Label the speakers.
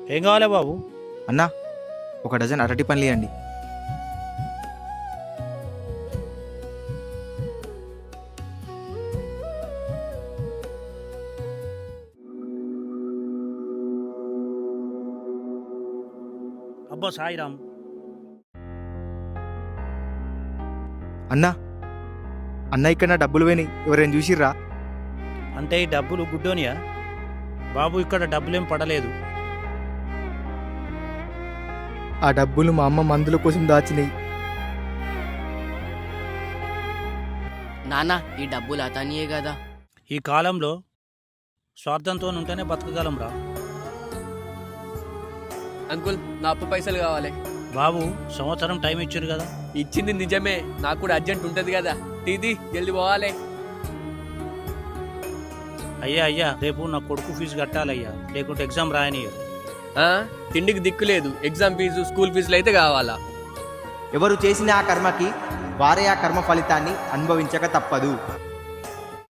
Speaker 1: ఏం కావాలి బాబు?
Speaker 2: అన్నా, ఒక డజన్ అరటి పండ్లు ఇవ్వండి.
Speaker 1: అబ్బా సాయిరామ్.
Speaker 2: అన్నా, అన్న ఇక్కడ నా డబ్బులు పోయినాయి, ఎవరైనా చూసిర్రా?
Speaker 1: అంటే ఈ డబ్బులు గుడ్డోనియా? బాబు ఇక్కడ డబ్బులేం పడలేదు.
Speaker 2: ఆ డబ్బులు మా అమ్మ మందుల కోసం దాచినాయి.
Speaker 3: నాన్న, ఈ డబ్బులు అతనియే కదా.
Speaker 1: ఈ కాలంలో స్వార్థంతో ఉంటేనే బతకగలం రా.
Speaker 4: అంకుల్, నా అప్పు పైసలు కావాలి.
Speaker 1: బాబు సంవత్సరం టైం ఇచ్చారు కదా.
Speaker 4: ఇచ్చింది నిజమే, నాకు కూడా అర్జెంట్ ఉంటది కదా. తీది జల్ది పోవాలి.
Speaker 1: అయ్యా రేపు నా కొడుకు ఫీజు కట్టాలయ్యా, లేకుంటే ఎగ్జామ్ రాయనియరు.
Speaker 4: తిండికి దిక్కు లేదు, ఎగ్జామ్ ఫీజు స్కూల్ ఫీజులు అయితే కావాలా?
Speaker 2: ఎవరు చేసిన ఆ కర్మకి వారే ఆ కర్మ ఫలితాన్ని అనుభవించక తప్పదు.